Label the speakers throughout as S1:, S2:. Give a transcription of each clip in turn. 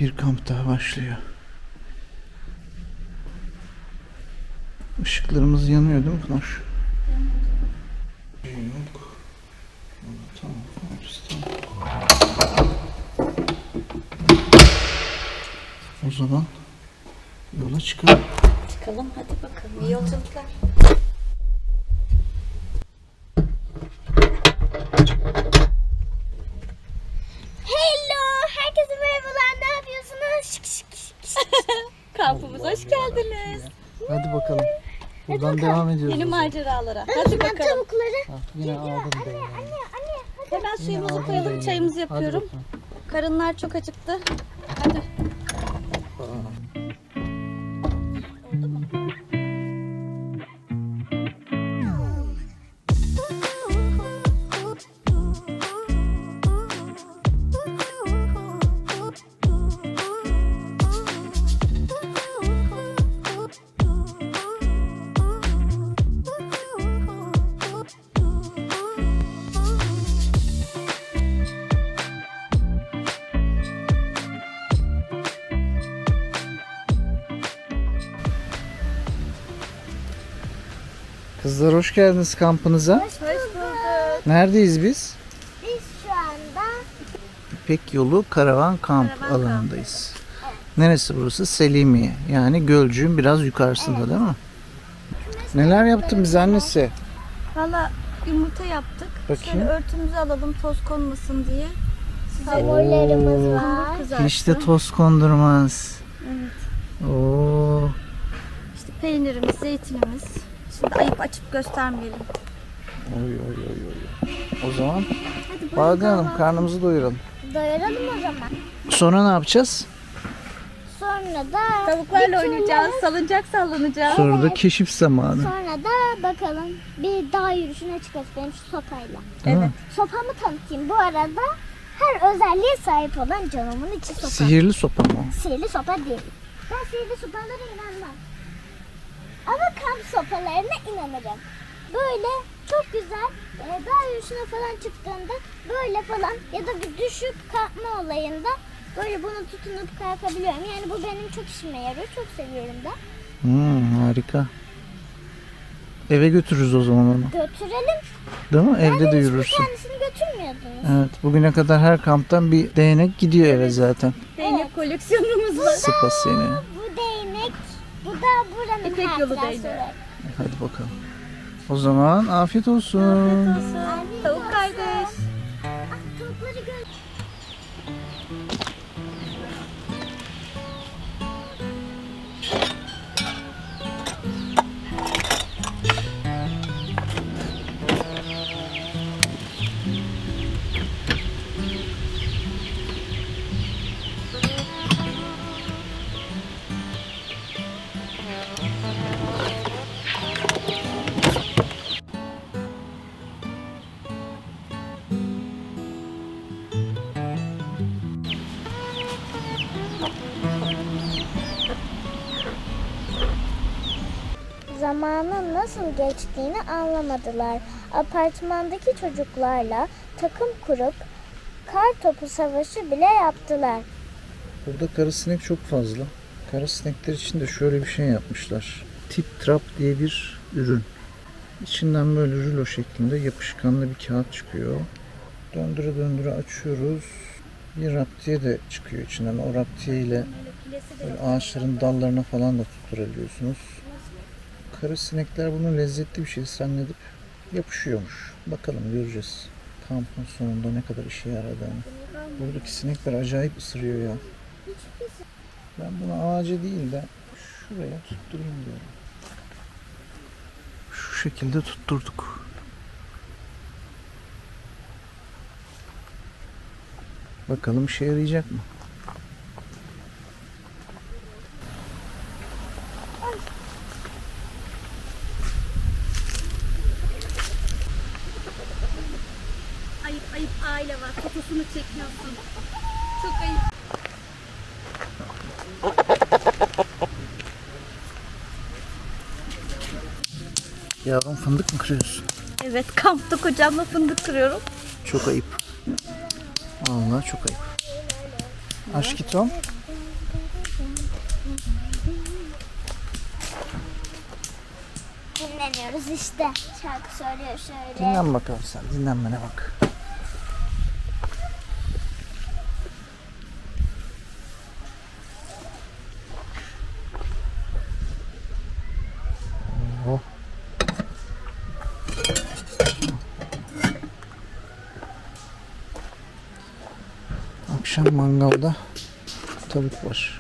S1: Bir kamp daha başlıyor. Işıklarımız yanıyor değil mi Pınar? Yok. Tamam. O zaman yola çıkalım.
S2: Çıkalım hadi bakalım. İyi yolculuklar.
S3: Hello, herkese merhabalar. Ne yapıyorsunuz?
S2: Kampımıza hoş geldiniz.
S1: Hadi bakalım. Buradan devam ediyoruz.
S2: Yeni maceralara. Hadi bakalım.
S3: Tavukları.
S1: Yine aldım beni.
S3: Anne.
S2: Hemen suyumuzu
S1: aldım
S2: koyalım.
S1: beni.
S2: Çayımızı
S1: Hadi
S2: yapıyorum.
S1: bakalım.
S2: Karınlar çok acıktı. Hadi. Oldu mu?
S1: Kızlar hoş geldiniz kampınıza.
S3: Hoş bulduk.
S1: Neredeyiz biz?
S3: Biz şu anda
S1: İpek Yolu Karavan Kamp alanındayız. Neresi burası? Selimiye. Yani Gölcük'ün biraz yukarısında değil mi? Neler yaptın bize annesi?
S2: Valla yumurta yaptık.
S1: Bakayım.
S2: Şöyle örtümüzü alalım toz konmasın diye. Size
S3: favorilerimiz var.
S2: hamur kızarttım.
S1: Hiç de toz kondurmaz.
S2: Evet.
S1: Oo.
S2: İşte peynirimiz, zeytinimiz. Şimdi ayıp açıp göstermeyelim.
S1: Oy. O zaman bakalım karnımızı doyuralım.
S3: Doyuralım o zaman.
S1: Sonra ne yapacağız?
S3: Sonra da
S2: Tavuklarla
S3: bir
S2: oynayacağız,
S3: türlü-
S2: salıncak sallanacağız.
S1: Sonra da keşif zamanı.
S3: Sonra da bakalım bir dağ yürüyüşüne çıkarız benim şu sopayla.
S1: Değil mi?
S3: Sopamı tanıtayım. Bu arada her özelliğe sahip olan canımın içi sopa.
S1: Sihirli sopa mı o?
S3: Sihirli sopa değil. Ben sihirli sopalara inanmam. Ama kamp sopalarına inanırım. Böyle çok güzel dağ yürüyüşüne falan çıktığında böyle falan ya da bir düşüp kalkma olayında böyle bunu tutunup kalkabiliyorum. Yani bu benim çok işime yarıyor. Çok seviyorum da.
S1: Harika. Eve götürürüz o zaman onu.
S3: Götürelim.
S1: Değil mi? Evde de
S3: Hiçbir
S1: yürürsün.
S3: tanesini götürmüyordunuz.
S1: Evet. Bugüne kadar her kamptan bir değnek gidiyor eve zaten.
S2: Değnek koleksiyonumuz var.
S1: Sıpa seni.
S3: Bu değnek, bu da buranın
S2: İpek yolu
S3: hatırası.
S2: değneği.
S1: Hadi bakalım. O zaman afiyet olsun.
S2: Tavuk kardeş.
S3: Tavukları gör. Zamanın nasıl geçtiğini anlamadılar. Apartmandaki çocuklarla takım kurup kar topu savaşı bile yaptılar.
S1: Burada karasinek çok fazla. Karasinekler için de şöyle bir şey yapmışlar. Tip Trap diye bir ürün. İçinden böyle rulo şeklinde yapışkanlı bir kağıt çıkıyor. Döndüre döndüre açıyoruz. Bir raptiye de çıkıyor içinden. O raptiye ile böyle ağaçların dallarına falan da tutturabiliyorsunuz. Karasinekler bunu lezzetli bir şey zannedip yapışıyormuş. Bakalım göreceğiz. Kampın sonunda ne kadar işe yaradığını. Buradaki sinekler acayip ısırıyor ya. Ben bunu ağaca değil de şuraya tutturayım diyorum. Şu şekilde tutturduk. Bakalım işe yarayacak mı?
S2: Ayıp aile var. Fotosunu çekiyorsun. Çok ayıp.
S1: Yavrum fındık mı kırıyorsun?
S2: Evet, kampta kocamla fındık kırıyorum.
S1: Çok ayıp. Vallahi çok ayıp. Aşkitom.
S3: dinleniyoruz işte. Şarkı söylüyor şöyle.
S1: Dinlen bakalım sen. Dinlenmene bak. Oh. Akşam mangalda tavuk var.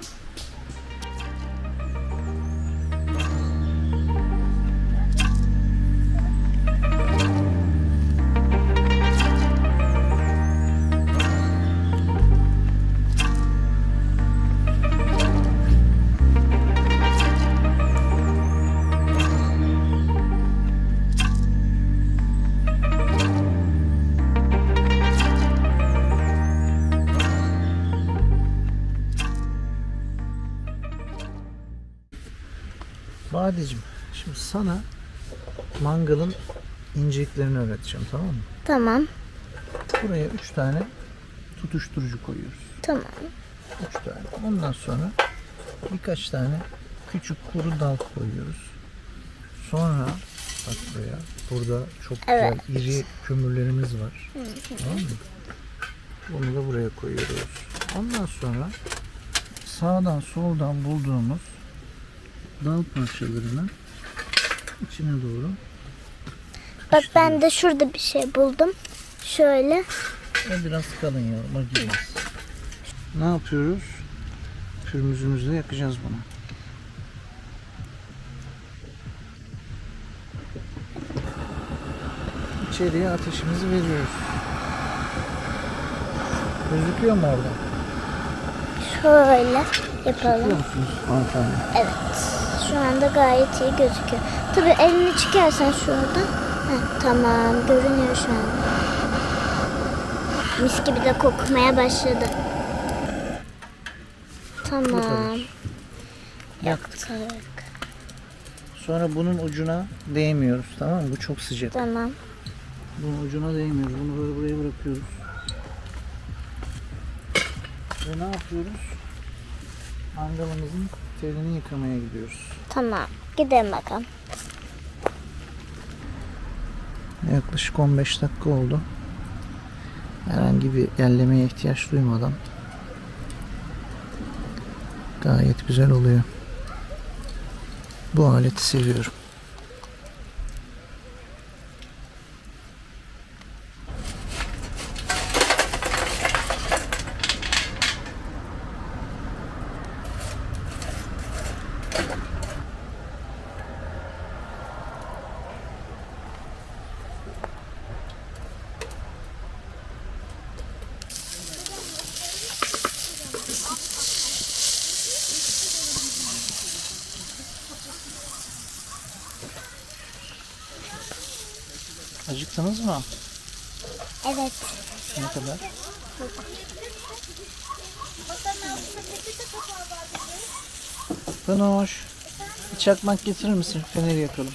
S1: Badeciğim, şimdi sana mangalın inceliklerini öğreteceğim, tamam mı?
S3: Tamam.
S1: Buraya 3 tane tutuşturucu koyuyoruz.
S3: Tamam.
S1: 3 tane. Ondan sonra birkaç tane küçük kuru dal koyuyoruz. Sonra bak buraya. Burada çok güzel iri kömürlerimiz var. Tamam mı? Bunu da buraya koyuyoruz. Ondan sonra sağdan soldan bulduğumuz dal parçalarını içine doğru.
S3: Bak ben de şurada bir şey buldum. Şöyle.
S1: O biraz kalın yavrum, acımaz. Ne yapıyoruz? Pürmüzümüzle yakacağız bunu. İçeriye ateşimizi veriyoruz. Gözüküyor mu orada?
S3: Şöyle
S1: Görüyor
S3: yapalım.
S1: musunuz hanımefendi?
S3: Evet. Şu anda gayet iyi gözüküyor. Tabii elini çıkarsan şurada. Tamam. Görünüyor şu an. Mis gibi de kokmaya başladı. Tamam.
S1: Yaktık.
S3: Yaktık.
S1: Sonra bunun ucuna değmiyoruz, tamam mı? Bu çok sıcak.
S3: Tamam.
S1: Bunun ucuna değmiyoruz. Bunu böyle buraya bırakıyoruz. Ve ne yapıyoruz? Mangalımızın telini yıkamaya gidiyoruz.
S3: Tamam. Gidelim bakalım.
S1: Yaklaşık 15 dakika oldu. Herhangi bir yerlemeye ihtiyaç duymadan gayet güzel oluyor. Bu aleti seviyorum. Acıktınız mı?
S3: Evet.
S1: Ne kadar? Panoş, bir çakmak getirir misin? Feneri yakalım.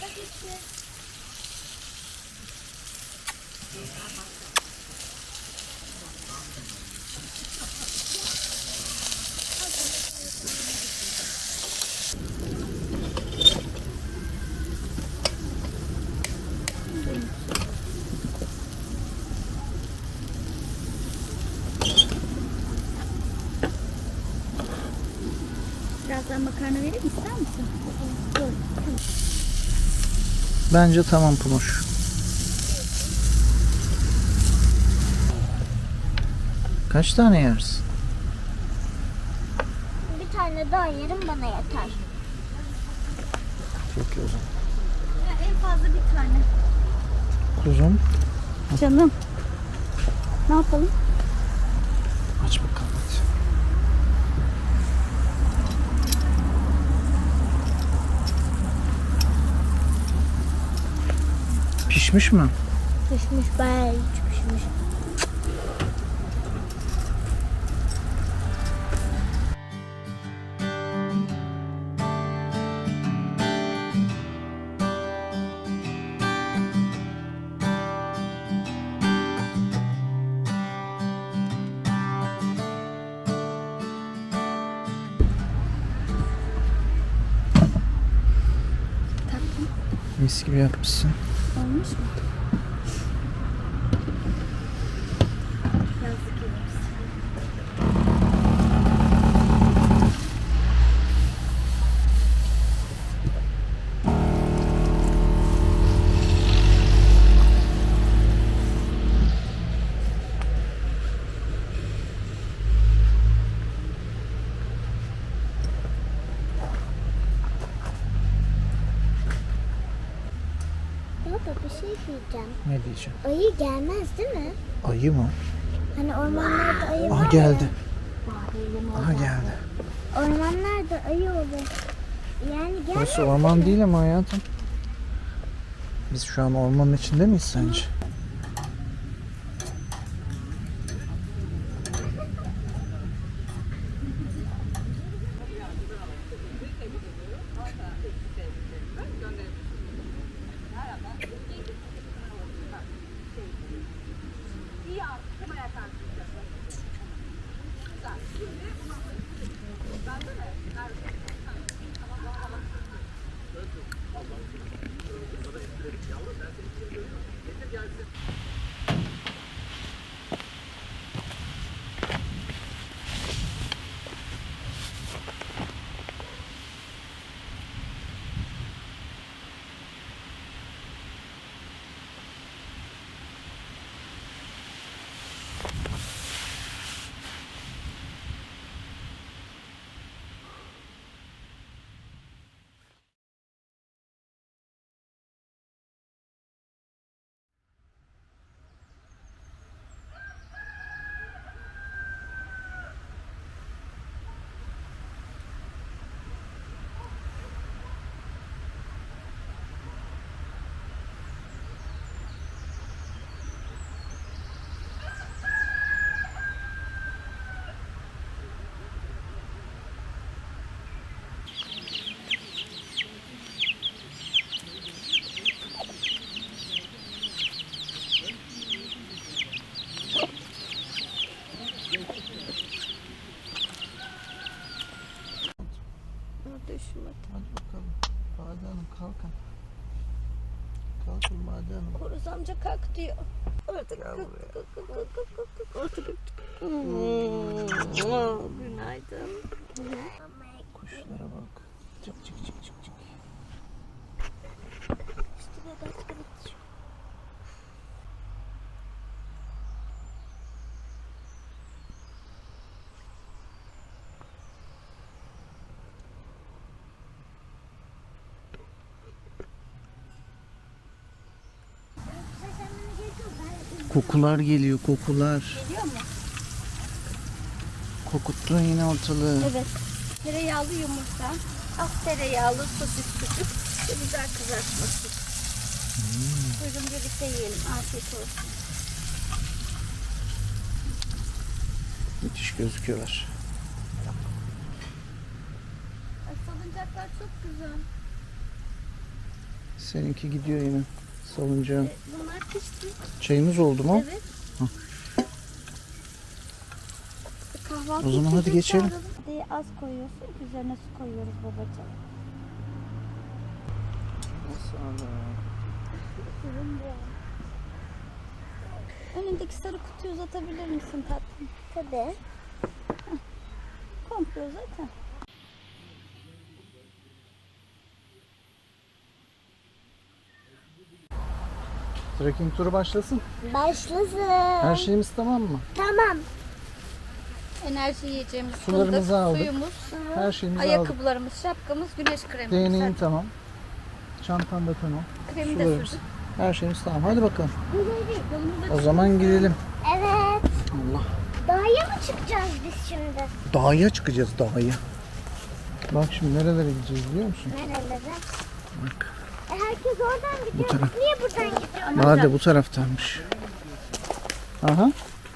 S2: Birazdan makarna vereyim ister misin?
S1: Bence tamam Panoş. Kaç tane yersin?
S3: Bir tane daha yerim bana yeter.
S1: Peki o zaman.
S2: En fazla bir tane.
S1: Kuzum,
S2: Canım. Ne yapalım?
S1: aç bakalım hadi. Pişmiş mi?
S3: Pişmiş, bayağı iyi pişmiş.
S1: Mis gibi yapmışsın.
S2: Olmuş mu? Yazlık evimiz.
S3: Baba bir şey diyeceğim.
S1: Ne diyeceğim?
S3: Ayı gelmez değil mi?
S1: Ayı mı?
S3: Hani ormanlarda ayı var
S1: Aha
S3: ya.
S1: geldi. Aha geldi.
S3: Ormanlarda ayı olur. Yani gelmez.
S1: Burası orman değil ama hayatım. Biz şu an ormanın içinde miyiz sence?
S2: Düşmedi.
S1: Hadi bakalım. Bade Hanım kalkın. Kalkın Bade Hanım.
S2: Horuz amca kalk diyor. Orada
S1: Gel buraya.
S2: kalk. Orada günaydın.
S1: Kuşlara bak. Çık çık çık çık çık. Kokular geliyor, kokular.
S2: Geliyor mu?
S1: Kokuttun yine ortalığı.
S2: Evet. Tereyağlı yumurta, az tereyağlı sosis sucuk ve güzel kızartması. Buyurun birlikte yiyelim. Afiyet olsun.
S1: Müthiş gözüküyorlar.
S2: Ay, salıncaklar çok güzel.
S1: Seninki gidiyor yine. Salıncağın.
S2: Bunlar pişti.
S1: Çayımız oldu mu?
S2: Evet. Kahvaltı
S1: O zaman
S2: için
S1: hadi
S2: çok
S1: geçelim.
S2: çağıralım. Diye az koyuyorsun. Üzerine su koyuyoruz babacığım. Önündeki sarı kutuyu uzatabilir misin tatlım?
S3: Tabii.
S2: Komple zaten.
S1: Trekking turu başlasın.
S3: Başlasın.
S1: Her şeyimiz tamam mı?
S3: Tamam.
S2: Enerji yiyeceğimiz
S1: Sularımızı
S2: fındık,
S1: aldık.
S2: suyumuz,
S1: Her şeyimizi aldık.
S2: ayakkabılarımız, şapkamız, güneş kremimiz.
S1: Değneğin
S2: Hadi.
S1: tamam. Çantan da tamam.
S2: Kremi de
S1: Sularımız.
S2: sürdük.
S1: Her şeyimiz tamam. Hadi bakalım.
S2: Yolumuza
S1: O zaman gidelim.
S3: Evet.
S1: Allah.
S3: Dağa mı çıkacağız biz şimdi?
S1: Dağa çıkacağız, dağa. Bak şimdi nerelere gideceğiz biliyor musun?
S3: Nerelere?
S1: Bak.
S3: Herkes oradan gidiyor.
S1: taraf.
S3: Biz niye buradan gidiyoruz?
S1: Bade bu taraftanmış. Aha.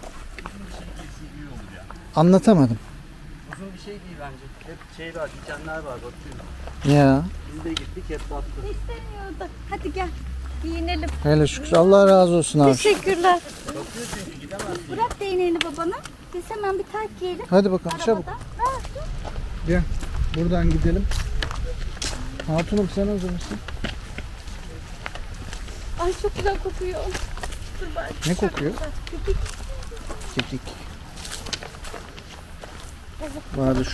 S1: Anlatamadım.
S4: Uzun bir şey değil bence. Hep şey var, dikenler var bakıyorum.
S1: Ya.
S4: Biz de gittik hep battık.
S2: İstemiyordu. Hadi gel. Giyinelim.
S1: Hele şükür. Allah razı olsun abi.
S2: Teşekkürler. Bırak değneğini babana. Biz hemen bir tayt giyelim.
S1: Hadi bakalım çabuk.
S2: Arabada.
S1: Gel. Buradan gidelim. Hatunum sen hazır mısın?
S2: Ay çok güzel kokuyor. Dur bari.
S1: Ne kokuyor?
S2: Kekik.
S1: Kekik. Vardı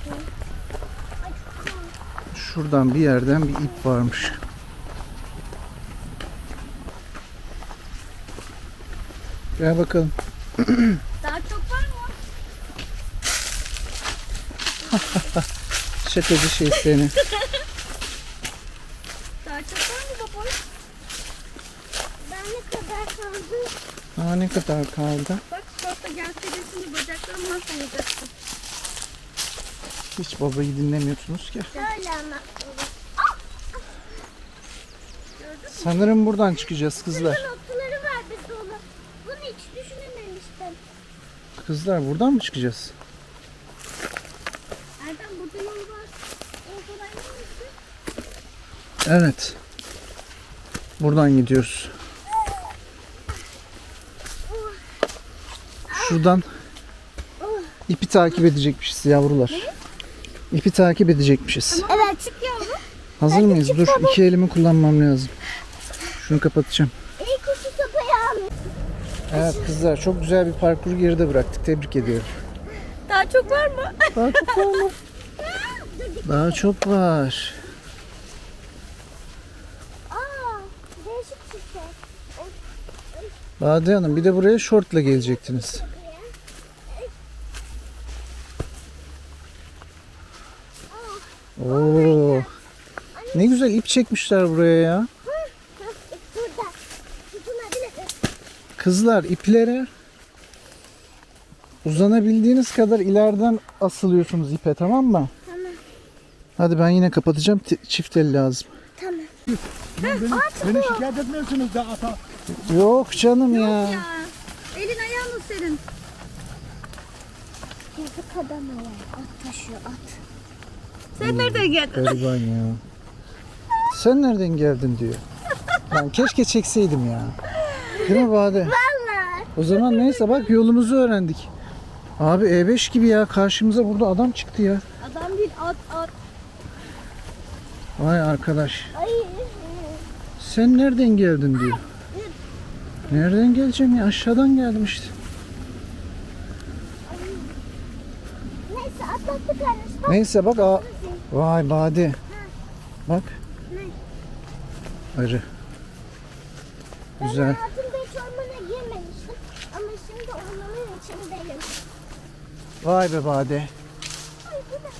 S1: şuradan bir yerden bir ip varmış. Gel bakalım.
S2: Daha çok var mı?
S1: Şakacı şey seni.
S2: Daha çok var mı baboş?
S3: Ben ne kadar kaldı?
S1: Aa, ne kadar kaldı?
S2: Bak şorta gelseydi şimdi bacaklarımı nasıl yiyeceksin?
S1: Hiç babayı dinlemiyorsunuz ki.
S3: Şöyle ama.
S1: Sanırım buradan çıkacağız kızlar.
S3: Notları var bir dolu. Bunu hiç düşünememiştim.
S1: Kızlar buradan mı çıkacağız?
S2: Erdem burada yol var. Oradan yürüyorsun.
S1: Evet. Buradan gidiyoruz. Şuradan ipi takip edecekmişiz yavrular. İpi takip edecekmişiz.
S3: Evet.
S2: Çık yavrum.
S1: Hazır mıyız? Dur, iki elimi kullanmam lazım. Şunu kapatacağım.
S3: İlk uçu sopayı almış.
S1: Evet kızlar, çok güzel bir parkur geride bıraktık. Tebrik ediyorum.
S2: Daha çok var mı?
S1: Daha çok var mı? Daha çok var.
S3: Aa, değişik bir şey.
S1: Bade Hanım, bir de buraya şortla gelecektiniz. Oo. Ne güzel ip çekmişler buraya ya.
S3: Burada. Tutunabilir.
S1: Kızlar, iplere uzanabildiğiniz kadar ileriden asılıyorsunuz ipe, tamam mı?
S3: Tamam.
S1: Hadi ben yine kapatacağım. Çift el lazım.
S3: Tamam.
S5: Beni şikayet etmiyorsunuz da ata.
S1: Yok canım ya.
S2: Ya. Elin ayağın senin.
S3: Yazık adama ya. At taşıyor at.
S2: Sen nereden geldin?
S1: Gariban ya. Sen nereden geldin diyor. Ben keşke çekseydim ya. Değil mi Bade?
S3: Vallahi.
S1: O zaman neyse, bak yolumuzu öğrendik. Abi E5 gibi ya, karşımıza burada adam çıktı ya.
S2: Adam değil at.
S1: Vay arkadaş.
S3: Ay.
S1: Sen nereden geldin diyor. Nereden geleceğim ya? Aşağıdan geldim işte.
S3: Neyse atlattık anne.
S1: Neyse bak. Vay Bade. Bak. Arı. Güzel.
S3: Ben hayatımda hiç ormana girmemiştim. Ama şimdi ormanın içindeyim.
S1: Vay be Bade.
S3: Ay bu da.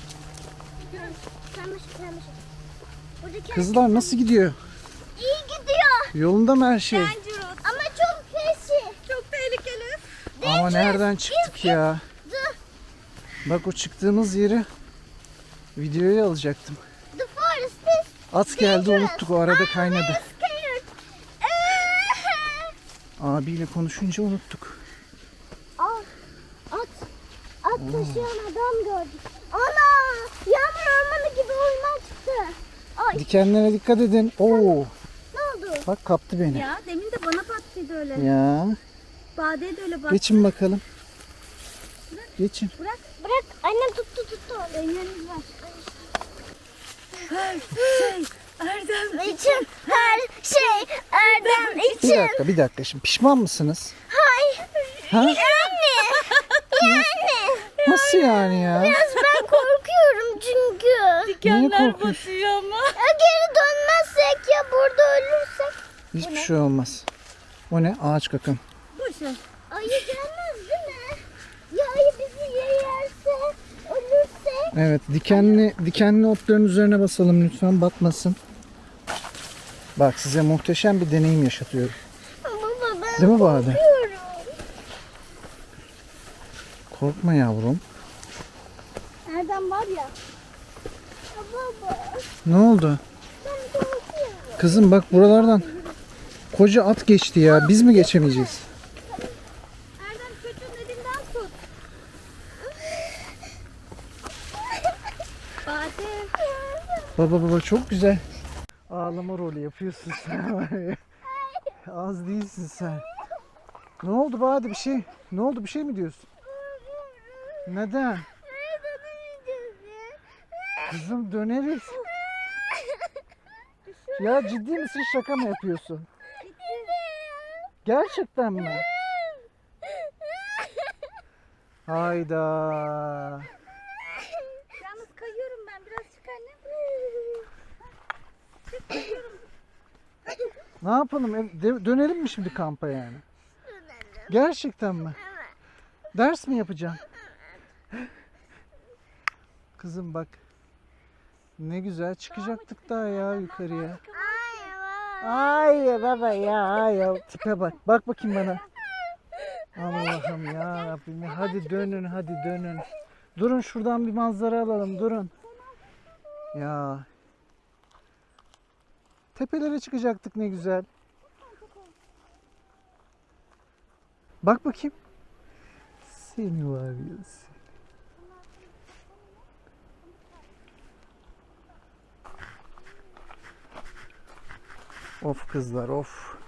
S3: Karmaşık. Buradaki
S1: Kızlar nasıl gidiyor?
S3: iyi gidiyor.
S1: Yolunda mı her şey?
S3: Ama çok pesi.
S2: Çok tehlikeli.
S1: Ama nereden çıktık ya?
S3: Dur.
S1: Bak, o çıktığımız yeri videoya alacaktım.
S3: The forest is
S1: At geldi, unuttuk, o arada kaynadı.
S3: scared.
S1: Abiyle konuşunca unuttuk.
S3: At taşıyan adam gördük. Ana! Yağmur ormanı gibi orman çıktı. Ay
S1: Dikenlere dikkat edin. Oo,
S3: ne oldu?
S1: bak kaptı beni.
S2: Ya demin de bana battıydı öyle.
S1: Ya,
S2: Bade'ye de öyle battı.
S1: geçin bakalım. Geçin.
S3: Bırak. Annem tuttu.
S2: Elleriniz var. Her şey Erdem
S3: İçin her şey Erdem için.
S1: Bir dakika. Şimdi pişman mısınız?
S3: Hayır.
S1: Ha?
S3: Yani.
S1: Nasıl yani ya?
S3: Biraz ben korkuyorum çünkü.
S2: dikenler
S1: korkuyorsun?
S2: batıyor ama.
S3: Ya geri dönmezsek ya burada ölürsek.
S1: Hiçbir şey olmaz. O ne? Ağaç kakan.
S2: Bu şey.
S3: Ayı gelmez değil mi? Ya ayı bizi yerse, ölürse.
S1: Evet, dikenli otların üzerine basalım lütfen, batmasın. Bak, size muhteşem bir deneyim yaşatıyorum.
S3: Baba ben
S1: Değil mi Bade?
S3: korkuyorum.
S1: Korkma yavrum.
S2: Erdem var ya.
S3: Ya baba
S1: Ne oldu?
S3: ben korkuyorum.
S1: Kızım bak, buralardan koca at geçti ya. Biz mi geçemeyeceğiz?
S2: Erdem çocuğun elinden tut. Bade.
S1: Baba çok güzel. Ağlama rolü yapıyorsun sen var ya. Az değilsin sen. Ne oldu Bade, bir şey? Ne oldu, bir şey mi diyorsun? Neden? Kızım döneriz. Ya ciddi misin, şaka mı yapıyorsun? Gerçekten mi? Hayda.
S2: Yalnız kayıyorum ben. Biraz çık annem.
S1: Ne yapalım? Dönelim mi şimdi kampa yani? Gerçekten mi? Ders mi yapacaksın? Kızım bak. Ne güzel çıkacaktık daha ya yukarıya. Ay baba ya tipe bak. Bak bakayım bana. Allah'ım ya Rabbim. Hadi dönün, hadi dönün. Durun şuradan bir manzara alalım, durun. Ya. Tepelere çıkacaktık ne güzel. Bak bakayım. Seni var ya seni. Of kızlar of.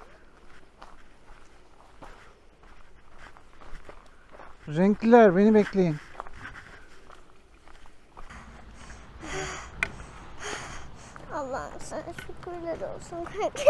S1: Renkliler beni bekleyin.
S3: Allah'ım sana şükürler olsun.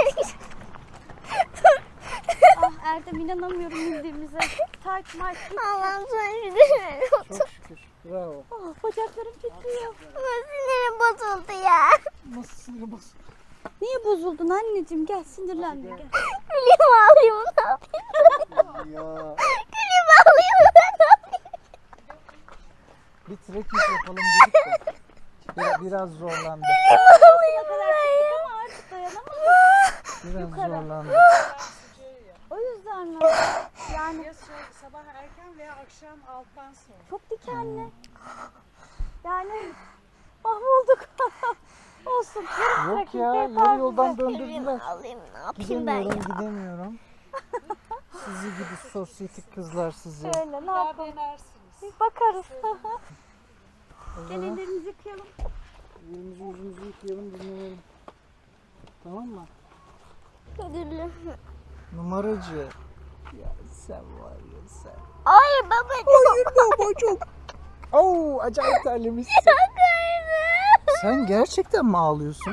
S2: Ah Erdem, inanamıyorum bildiğimize. Tayt mayt.
S3: Allah'ım sana şükürler olsun.
S1: Çok şükür. Bravo.
S2: Ah, bacaklarım titriyor.
S3: Sinirim bozuldu ya.
S1: Nasıl sinir bas?
S2: Niye bozuldun anneciğim? Gel, sinirlenme gel.
S3: Gülüyorum ağlıyorum ne yapayım?
S1: Ya.
S3: Gülüyorum ağlıyorum ne yapayım?
S1: Bir trekking yapalım dedik de. Biraz zorlandı.
S2: Ne kadar çıktık ama artık dayanamadım.
S1: Biraz zorlandı.
S2: O yüzden mi? Yani
S6: Ya sabah erken veya akşam alttan sonra.
S2: çok dikenli. Yani mahvolduk. Olsun.
S1: Yok ya, yarı yoldan döndürdüler.
S3: Gülüyorum ağlıyorum ne yapayım ben ya?
S1: Gidemiyorum. Sizi gidi sosyetik kızlar sizi.
S2: Öyle ne
S6: Daha
S2: yapalım?
S6: denersiniz.
S2: Bir bakarız.
S1: O
S2: Gel
S1: zaman
S2: ellerimizi yıkayalım.
S1: elimizi yüzümüzü yıkayalım, dinlenelim. Tamam mı?
S3: Gülüyorum.
S1: Numaracı. Ya sen var ya sen.
S3: Hayır babacığım.
S1: Baba çok. Oo, acayip terlemişsin. Sen gerçekten mi ağlıyorsun?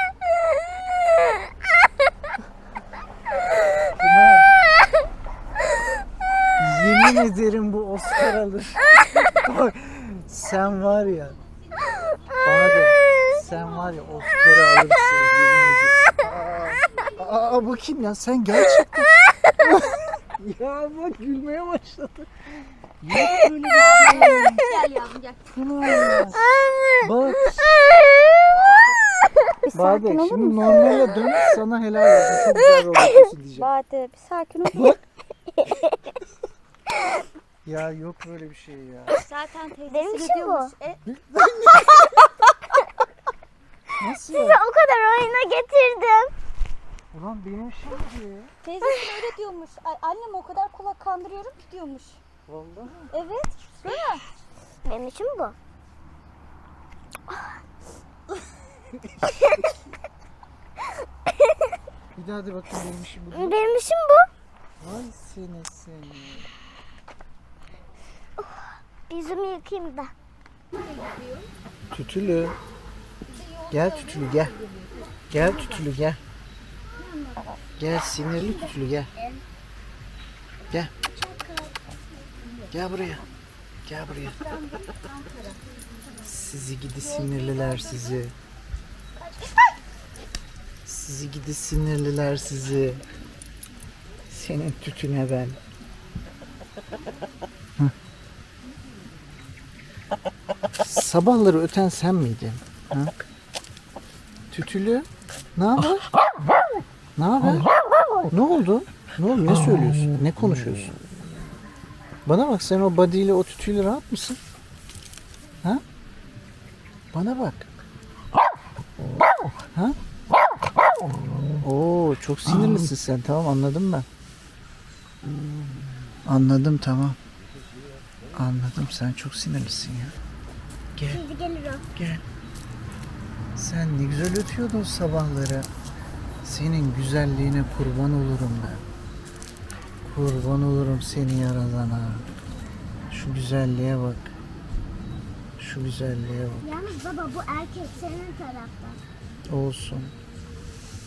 S1: Pınar. Yemin ederim bu Oscar alır. Bak, sen var ya. Bana da sen var ya Oscar'ı alırsın. Yemin ederim. Aa, bu kim ya? Sen gerçekten. Ya bak gülmeye başladı. Yok böyle bir şey.
S2: Gel yavrum gel.
S1: Pınar. Bak.
S2: Bir sakin
S1: Bade
S2: olur
S1: şimdi
S2: musun?
S1: normale dön, sana helal olsun. Çok güzel robotusun diyeceğim.
S2: Bade bir sakin ol.
S1: Ya yok böyle bir şey ya.
S2: Zaten teyzesi
S3: Benim işim
S2: diyormuş.
S1: Nasıl
S3: Sizi
S1: ya?
S3: o kadar oyuna getirdim.
S1: Ulan benim işim diyor.
S2: Teyzesi öyle diyormuş. Annem o kadar kulak kandırıyorum ki diyormuş.
S1: Vallahi.
S2: Evet. Değil mi?
S3: Benim işim bu.
S1: Bir daha de bakayım benim işim bu diyor.
S3: Benim işim bu.
S1: Vay seni.
S3: Yüzümü yıkayayım da.
S1: Tütülü. Gel Tütülü gel. Gel Tütülü gel. Gel sinirli Tütülü gel. Gel. Gel buraya. Gel buraya. Sizi gidi sinirliler sizi. Sizi gidi sinirliler sizi. Senin tütüne ben. Hı. Sabahları öten sen miydin? Ha? Tütülü. Ne haber? Ne haber? Ne oldu? Ne oldu? Ne söylüyorsun? Ne konuşuyorsun? Bana bak, sen o body ile o tütüyle rahat mısın? Ha? Bana bak. Ha? Oo, çok sinirlisin sen. Tamam, anladım ben. Anladım, tamam. Anladım, sen çok sinirlisin ya. Gel.
S3: Şimdi gelir o.
S1: Gel. Sen ne güzel ötüyordun sabahları. Senin güzelliğine kurban olurum ben. Kurban olurum seni yaradana. Şu güzelliğe bak. Şu güzelliğe bak.
S3: Yalnız baba bu erkek senin taraftan.
S1: Olsun.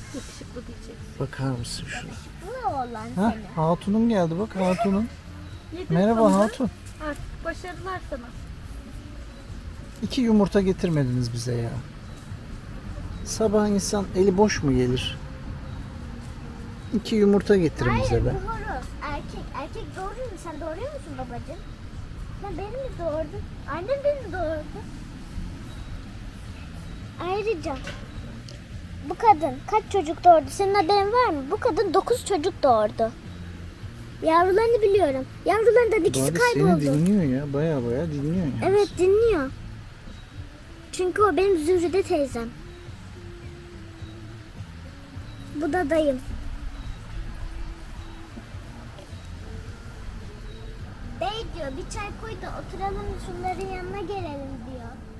S2: Yakışıklı diyeceksin.
S1: Bakar mısın şuna?
S3: Bu oğlan
S1: Ha,
S3: seni.
S1: Hatun'um geldi bak Hatun'um.
S2: Yedin
S1: Merhaba
S2: sonunda.
S1: Hatun.
S2: Artık başarılar sana.
S1: 2 yumurta getirmediniz bize ya. Sabah insan eli boş mu gelir? 2 yumurta getirin
S3: Hayır
S1: bize
S3: bu
S1: be.
S3: horoz. Erkek. Erkek doğuruyor mu? Sen doğuruyor musun babacığım? Sen beni mi doğurdun? Annem beni mi doğurdu? Ayrıca bu kadın kaç çocuk doğurdu? Senin haberin var mı? Bu kadın 9 çocuk doğurdu. Yavrularını biliyorum. Yavrularından ikisi
S1: Bari seni
S3: kayboldu.
S1: dinliyor ya. Baya baya dinliyor yani.
S3: Evet dinliyor. Çünkü o benim Zührüde teyzem. Bu da dayım. Bey diyor bir çay koy da oturalım şunların yanına gelelim diyor.